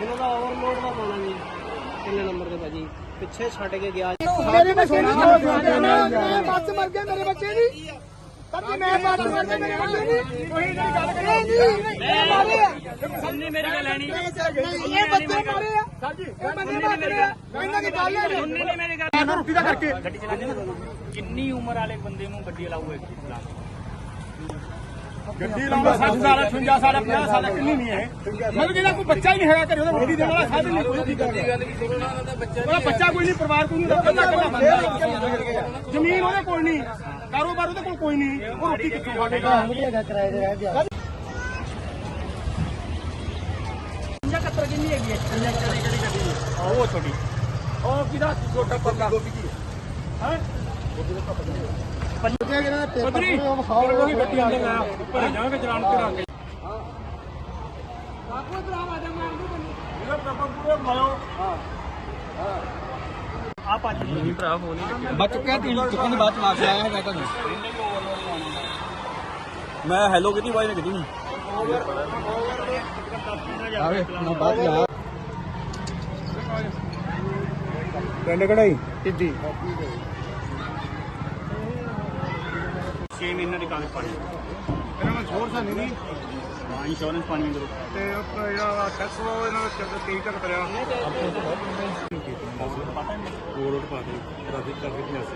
ਇਹਨਾਂ ਦਾ ਓਵਰਲੋਡ ਦਾ ਪਾਉਣਾ ਜੀ ਕਿੰਨੇ ਨੰਬਰ ਦੇ ਭਾਜੀ ਪਿੱਛੇ ਛੱਡ ਕੇ ਗਿਆ ਮੇਰੇ ਬੱਚੇ ਨਹੀਂ ਮੈਂ ਬੱਸ ਮਰ ਗਿਆ ਮੇਰੇ ਬੱਚੇ ਨਹੀਂ ਸੱਚੀ ਮੈਂ ਬੱਸ ਮਰ ਗਿਆ ਮੇਰੇ ਬੱਚੇ ਨਹੀਂ ਕੋਈ ਨਹੀਂ ਗੱਲ ਕਰੀ ਮੈਂ ਮਾਰੇ ਆ ਸੁਣਨੀ ਮੇਰੀ ਗੱਲ ਲੈਣੀ ਇਹ ਬੱਚੇ ਮਾਰੇ ਆ ਸਾਜੀ ਇਹ ਬੰਦੇ ਮਾਰੇ ਆ ਇਹਨਾਂ ਦੀ ਗੱਲ ਹੈ ਸੁਣਨੀ ਨਹੀਂ ਮੇਰੀ ਗੱਲ ਰੋਟੀ ਦਾ ਕਰਕੇ ਗੱਡੀ ਚਲਾਉਂਦੇ ਨਾ ਕਿੰਨੀ ਉਮਰ ਵਾਲੇ ਬੰਦੇ ਨੂੰ ਗੱਡੀ ਅਲਾਊ ਹੈ ਚਲਾਉਣ ਗੱਡੀ ਲਾਉਂਦਾ 60 ਸਾਲ 58 ਸਾਲ 50 ਸਾਲ ਕਿੰਨੀ ਨਹੀਂ ਹੈ ਮਤਲਬ ਜਿਹੜਾ ਕੋਈ ਬੱਚਾ ਹੀ ਨਹੀਂ ਹੈਗਾ ਘਰੇ ਉਹਦਾ ਰੋਟੀ ਦੇਣ ਵਾਲਾ ਸਾਧਨ ਨਹੀਂ ਕੋਈ ਉਹਦਾ ਬੱਚਾ ਕੋਈ ਨਹੀਂ ਪਰਿਵਾਰ ਕੋਈ ਨਹੀਂ ਕੱਲਾ ਬੰਦਾ ਜ਼ਮੀਨ ਉਹਦੇ ਕੋਲ ਨਹੀਂ ਕਾਰੋਬਾਰ ਉਹਦੇ ਕੋਲ ਕੋਈ ਨਹੀਂ ਉਹ ਰੋਟੀ ਕਿੱਥੋਂ ਖਾਏਗਾ ਵਧੀਆ ਕਿਰਾਏ ਦੇ ਰਹਿ ਗਿਆ 75 ਕਿੰਨੀ ਹੈਗੀ ਹੈ ਕਿਹੜੀ ਗੱਡੀ ਉਹ ਛੋਟੀ ਉਹ ਕਿਹਦਾ ਛੋਟਾ ਪੱਕਾ ਹੈ ਪੰਜੇ ਇਹਨਾਂ ਦੇ ਪੇਪਰ ਉਹ ਵਿਖਾਓ ਉਹੀ ਗੱਡੀ ਅੰਦਰ ਲਾਇਆ ਉੱਪਰ ਜਾਵਾਂਗੇ ਚਲਾਨ ਕਰਾ ਕੇ ਕਾਕੂ ਇਧਰ ਆ ਜਾ ਮਾਰ ਦੂ ਤੈਨੂੰ ਇਹਦਾ ਪੇਪਰ ਪੂਰੇ ਮਾਇਓ ਹਾਂ ਆ ਪੰਜ ਨਹੀਂ ਭਰਾ ਫੋਨ ਹੀ ਬਚ ਚੁੱਕਿਆ ਤੀ ਚੁੱਕਣ ਦੀ ਬਾਅਦ ਚ ਵਾਪਸ ਆਇਆ ਹੈਗਾ ਤੁਹਾਨੂੰ ਮੈਂ ਹੈਲੋ ਕੀਤੀ ਬਾਈ ਨੇ ਕੀਤੀ ਨਹੀਂ ਆਵੇ ਨਾ ਬਾਅਦ ਲਾ ਪਿੰਡ ਕਢਾਈ ਟਿੱਡੀ 6 ਮਹੀਨੇ ਦੀ ਕਾਗਜ਼ ਪਾਣੀ ਇਹਨਾਂ ਨੂੰ ਛੋੜ ਸਾਨੀ ਨਹੀਂ ਹਾਂ ਇੰਸ਼ੋਰੈਂਸ ਪਾਣੀ ਅੰਦਰੋਂ ਤੇ ਉਹ ਜਿਹੜਾ ਟੈਕਸ ਉਹ ਇਹਨਾਂ ਦਾ 23 ਤੱਕ ਕਰਿਆ ਰੋਡ ਪਾ ਦੇ ਟ੍ਰੈਫਿਕ ਕਰਕੇ ਪਿਆਸੇ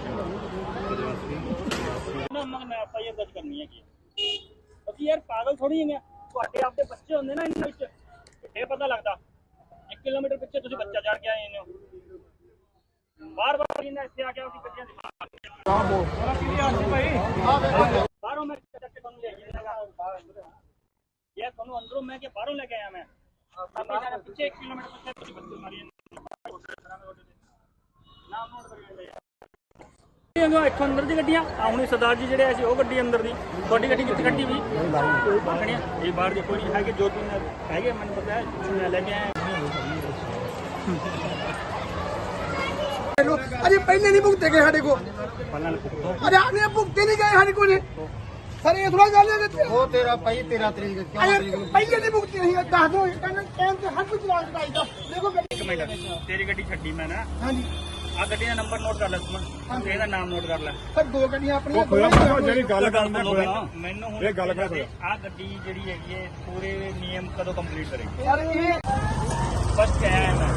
ਨਾ ਮੈਂ ਐਫਆਈਆਰ ਦਰਜ ਕਰਨੀ ਹੈਗੀ ਅਸੀਂ ਯਾਰ ਪਾਗਲ ਥੋੜੀ ਹੈਗੇ ਤੁਹਾਡੇ ਆਪਦੇ ਬੱਚੇ ਹੁੰਦੇ ਨਾ ਇਹਨਾਂ ਵਿੱਚ ਇਹ ਪਤਾ ਲੱਗਦਾ 1 ਕਿਲੋਮੀਟਰ ਪਿੱਛੇ ਤੁਸੀਂ ਬੱਚਾ ਚੜ ਕੇ ਆਏ ਹੋ ਬਾਰ-ਬਾਰ ਇਹਨਾਂ ਇੱਥੇ ਆ ਕੇ ਆਪਣੀ ਗੱਡੀਆਂ ਦਿਖਾ ਬਾਹਰੋਂ ਮੈਂ ਚੱਕ ਕੇ ਤੁਹਾਨੂੰ ਲੈ ਜਾਏਗਾ ਇਹ ਤੁਹਾਨੂੰ ਅੰਦਰੋਂ ਮੈਂ ਕਿ ਬਾਹਰੋਂ ਲੈ ਕੇ ਆਇਆ ਮੈਂ ਆਪਣੇ ਪਿੱਛੇ 1 ਕਿਲੋਮੀਟਰ ਪਿੱਛੇ ਤੁਸੀਂ ਬੱਚੇ ਮਾਰੀ ਨਾਮ ਨੋਟ ਕਰੀ ਜਾਂਦੇ ਇੱਥੋਂ ਅੰਦਰ ਦੀ ਗੱਡੀਆਂ ਆਉਣੀ ਸਰਦਾਰ ਜੀ ਜਿਹੜੇ ਸੀ ਉਹ ਗੱਡੀ ਅੰਦਰ ਦੀ ਤੁਹਾਡੀ ਗੱਡੀ ਕਿੱਥੇ ਕੱਢੀ ਵੀ ਬਾਖਣੀਆਂ ਇਹ ਬਾਹਰ ਦੇ ਕੋਈ ਹੈਗੇ ਜੋ ਤਿੰਨ ਹੈਗੇ ਮੈਨੂੰ ਪਤਾ ਹੈ ਮੈਂ ਲੈ ਕੇ ਆਇਆ ਅਜੇ ਪਹਿਲੇ ਨਹੀਂ ਭੁਗਤੇ ਗਏ ਸਾਡੇ ਕੋਲ ਅਰੇ ਆਨੇ ਭੁਗਤੇ ਨਹੀਂ ਗਏ ਸਾਡੇ ਕੋਲ ਸਰ ਇਹ ਥੋੜਾ ਗੱਲ ਹੈ ਉਹ ਤੇਰਾ ਭਾਈ 13 ਤਰੀਕ ਕਿਉਂ ਪਹਿਲੇ ਨਹੀਂ ਭੁਗਤੇ ਨਹੀਂ ਦੱਸ ਦੋ ਕਹਿੰਦੇ ਟਾਈਮ ਤੇ ਹਰ ਕੁਝ ਚਲਾਨ ਕਰਾਈਦਾ ਦੇਖੋ ਇੱਕ ਮਿੰਟ ਤੇਰੀ ਗੱਡੀ ਛੱਡੀ ਮੈਂ ਨਾ ਹਾਂਜੀ ਆ ਗੱਡੀ ਦਾ ਨੰਬਰ ਨੋਟ ਕਰ ਲੈ ਸੁਮਨ ਇਹਦਾ ਨਾਮ ਨੋਟ ਕਰ ਲੈ ਸਰ ਦੋ ਗੱਡੀਆਂ ਆਪਣੀਆਂ ਜਿਹੜੀ ਗੱਲ ਕਰਨਾ ਮੈਨੂੰ ਹੁਣ ਇਹ ਗੱਲ ਕਰ ਆ ਗੱਡੀ ਜਿਹੜੀ ਹੈਗੀ ਹੈ ਪੂਰੇ ਨਿਯਮ ਕਦੋਂ ਕੰਪਲੀਟ ਕਰੇਗੀ ਯਾਰ ਇਹ ਬਸ ਕਿਹਾ ਹੈ ਮੈਂ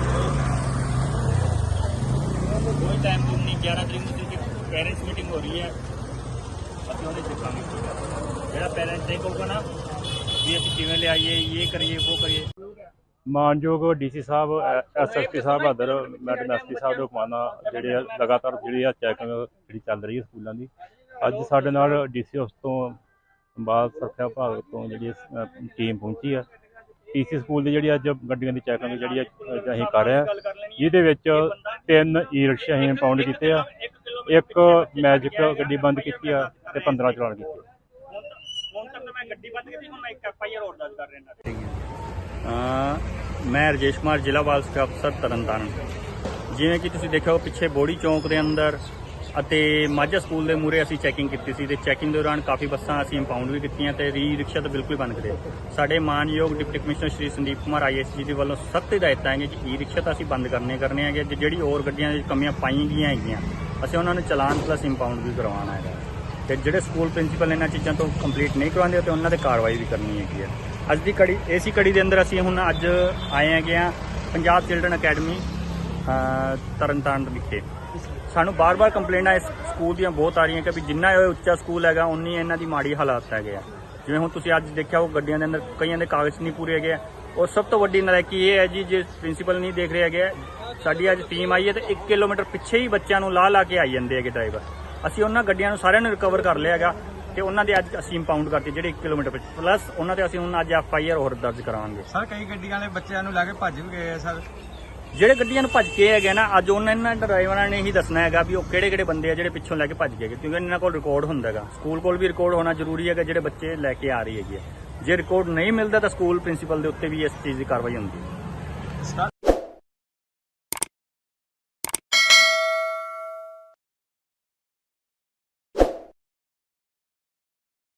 ਕੋਈ ਟਾਈਮ ਨਹੀਂ 11 ਤਰੀਕ ਨੂੰ ਪੈਰੈਂਟਸ ਮੀਟਿੰਗ ਹੋ ਰਹੀ ਹੈ ਅਸੀਂ ਉਹਦੇ ਦੇਖਾਂਗੇ ਜਿਹੜਾ ਪੈਰੈਂਟਸ ਦੇ ਕਹੂਗਾ ਨਾ ਵੀ ਅਸੀਂ ਕਿਵੇਂ ਲਿਆਈਏ ਇਹ ਕਰੀਏ ਉਹ ਕਰੀਏ ਮਾਨਯੋਗ ਡੀਸੀ ਸਾਹਿਬ ਐਸਐਸਪੀ ਸਾਹਿਬ ਬਹਾਦਰ ਮੈਡਮ ਐਸਪੀ ਸਾਹਿਬ ਦੇ ਹੁਕਮਾਂ ਨਾਲ ਜਿਹੜੇ ਲਗਾਤਾਰ ਜਿਹੜੀ ਆ ਚੈਕਿੰਗ ਜਿਹੜੀ ਚੱਲ ਰਹੀ ਹੈ ਸਕੂਲਾਂ ਦੀ ਅੱਜ ਸਾਡੇ ਨਾਲ ਡੀਸੀ ਹਾਊਸ ਤੋਂ ਬਾਲ ਸੁਰੱਖਿਆ ਵਿਭਾਗ ਤੋਂ ਜਿਹੜੀ ਟੀਮ ਪਹੁੰਚੀ ਆ ਟੀਸੀ ਸਕੂਲ ਦੀ ਜਿਹੜੀ ਅੱਜ ਗੱਡੀਆਂ ਦੀ ਚੈਕਿੰਗ ਜਿਹੜੀ ਅਸੀਂ ਕਰ ਰਹੇ ਹਾਂ ਜਿਹਦੇ ਵਿੱਚ 3 ਈ ਰਿਕਸ਼ੇ ਅਸੀਂ ਇੰਪਾਊਂਡ ਕੀਤੇ ਆ ਇੱਕ ਮੈਜਿਕ ਗੱਡੀ ਬੰਦ ਕੀਤੀ ਆ ਤੇ 15 ਚਲਾਨ ਕੀਤੇ ਹੁਣ ਤੱਕ ਮੈਂ ਗੱਡੀ ਬੰਦ ਕੀਤੀ ਹੁਣ ਮੈਂ ਇੱਕ ਐਫਆਈਆਰ ਹੋਰ ਦਰਜ ਕਰ ਰਿਹਾ ਮੈਂ ਰਜੇਸ਼ ਕੁਮਾਰ ਜ਼ਿਲ੍ਹਾ ਬਾਲ ਸੁਰੱਖਿਆ ਅਫਸਰ ਤਰਨਤਾਰਨ ਜਿਵੇਂ ਕਿ ਤੁਸੀਂ ਦੇਖਿਆ ਪਿੱਛੇ ਬੋੜੀ ਚੌਂਕ ਦੇ ਅੰਦਰ ਅਤੇ ਮਾਝਾ ਸਕੂਲ ਦੇ ਮੂਹਰੇ ਅਸੀਂ ਚੈਕਿੰਗ ਕੀਤੀ ਸੀ ਤੇ ਚੈਕਿੰਗ ਦੌਰਾਨ ਕਾਫੀ ਬੱਸਾਂ ਅਸੀਂ ਇੰਪਾਊਂਡ ਵੀ ਕੀਤੀਆਂ ਤੇ ਰੀ ਰਿਕਸ਼ਾ ਤਾਂ ਬਿਲਕੁਲ ਬੰਦ ਕਰੇ ਸਾਡੇ ਮਾਨਯੋਗ deputy commissioner Shri Sandeep Kumar ISG ਦੇ ਵੱਲੋਂ ਸਖਤ ਹਦਾਇਤਾਂ ਹੈਗੀਆਂ ਕਿ ਈ ਰਿਕਸ਼ਾ ਤਾਂ ਅਸੀਂ ਬੰਦ ਕਰਨੇ ਹੈਗੇ ਜਿਹੜੀ ਹੋਰ ਗੱਡੀਆਂ ਦੀ ਕਮੀਆਂ ਪਾਈਆਂ ਗਈਆਂ ਹੈਗੀਆਂ ਅਸੀਂ ਉਹਨਾਂ ਨੂੰ ਚਲਾਨ ਪਲੱਸ ਇੰਪਾਊਂਡ ਵੀ ਕਰਵਾਉਣਾ ਹੈਗਾ ਤੇ ਜਿਹੜੇ ਸਕੂਲ ਪ੍ਰਿੰਸੀਪਲ ਇਹਨਾਂ ਚੀਜ਼ਾਂ ਤੋਂ ਕੰਪਲੀਟ ਨਹੀਂ ਕਰਵਾਉਂਦੇ ਤੇ ਉਹਨਾਂ ਤੇ ਕਾਰਵਾਈ ਵੀ ਕਰਨੀ ਹੈਗੀ ਹੈ ਅੱਜ ਦੀ ਕੜੀ ਇਸੀ ਕੜੀ ਦੇ ਅੰਦਰ ਅਸੀਂ ਹੁਣ ਅੱਜ ਆਏ ਹੈਗੇ ਆ ਪੰਜਾਬ ਚਿਲਡਰਨ ਅਕੈਡਮੀ ਤਰਨਤਾਰਨ ਵਿਖੇ ਸਾਨੂੰ ਬਾਰ-ਬਾਰ ਕੰਪਲੇਂਟਾਂ ਇਸ ਸਕੂਲ ਦੀਆਂ ਬਹੁਤ ਆ ਰਹੀਆਂ ਕਿ ਵੀ ਜਿੰਨਾ ਇਹ ਉੱਚਾ ਸਕੂਲ ਹੈਗਾ ਉਨੀ ਇਹਨਾਂ ਦੀ ਮਾੜੀ ਹਾਲਾਤ ਹੈਗੇ ਆ ਜਿਵੇਂ ਹੁਣ ਤੁਸੀਂ ਅੱਜ ਦੇਖਿਆ ਉਹ ਗੱਡੀਆਂ ਦੇ ਅੰਦਰ ਕਈਆਂ ਦੇ ਕਾਗਜ਼ ਨਹੀਂ ਪੂਰੇ ਹੈਗੇ ਔਰ ਸਭ ਤੋਂ ਵੱਡੀ ਨਲਾਇਕੀ ਇਹ ਹੈ ਜੀ ਜੇ ਪ੍ਰਿੰਸੀਪਲ ਨਹੀਂ ਦੇਖ ਰਹੇ ਹੈਗੇ ਸਾਡੀ ਅੱਜ ਟੀਮ ਆਈ ਹੈ ਤੇ 1 ਕਿਲੋਮੀਟਰ ਪਿੱਛੇ ਹੀ ਬੱਚਿਆਂ ਨੂੰ ਲਾ ਕੇ ਆਈ ਜਾਂਦੇ ਹੈਗੇ ਡਰਾਈਵਰ ਅਸੀਂ ਉਹਨਾਂ ਗੱਡੀਆਂ ਨੂੰ ਸਾਰਿਆਂ ਨੂੰ ਰਿਕਵਰ ਕਰ ਲਿਆ ਹੈਗਾ ਤੇ ਉਹਨਾਂ ਦੇ ਅੱਜ ਅਸੀਂ ਇੰਪਾਊਂਡ ਕਰਤੇ ਜਿਹੜੇ 1 ਕਿਲੋਮੀਟਰ ਪਿੱਛੇ ਪਲੱਸ ਉਹਨਾਂ ਤੇ ਅਸੀਂ ਹੁਣ ਅੱਜ ਐਫਆਈਆਰ ਹੋਰ ਦਰਜ ਕਰਾਵਾਂਗੇ ਸਰ ਕਈ ਗੱਡੀਆਂ ਵਾਲੇ ਬੱਚਿਆਂ ਨੂੰ ਲੈ ਕੇ ਭੱਜ ਵੀ ਗਏ ਆ ਸਰ ਜਿਹੜੇ ਗੱਡੀਆਂ ਨੂੰ ਭੱਜ ਕੇ ਹੈਗੇ ਨਾ ਅੱਜ ਇਹਨਾਂ ਡਰਾਈਵਰਾਂ ਨੇ ਹੀ ਦੱਸਣਾ ਹੈਗਾ ਵੀ ਉਹ ਕਿਹੜੇ ਬੰਦੇ ਆ ਜਿਹੜੇ ਪਿੱਛੋਂ ਲੈ ਕੇ ਭੱਜ ਗਏ ਕਿਉਂਕਿ ਇਹਨਾਂ ਕੋਲ ਰਿਕਾਰਡ ਹੁੰਦਾ ਹੈਗਾ ਸਕੂਲ ਕੋਲ ਵੀ ਰਿਕਾਰਡ ਹੋਣਾ ਜ਼ਰੂਰੀ ਹੈਗਾ ਜਿਹੜੇ ਬੱਚੇ ਲੈ ਕੇ ਆ ਰਹੀ ਹੈਗੀ ਜੇ ਰਿਕਾਰਡ ਨਹੀਂ ਮਿਲਦਾ ਤਾਂ ਸਕੂਲ ਪ੍ਰਿੰਸੀਪਲ ਦੇ ਉੱਤੇ ਵੀ ਇਸ ਚੀਜ਼ ਦੀ ਕਾਰਵਾਈ ਹੁੰਦੀ ਹੈ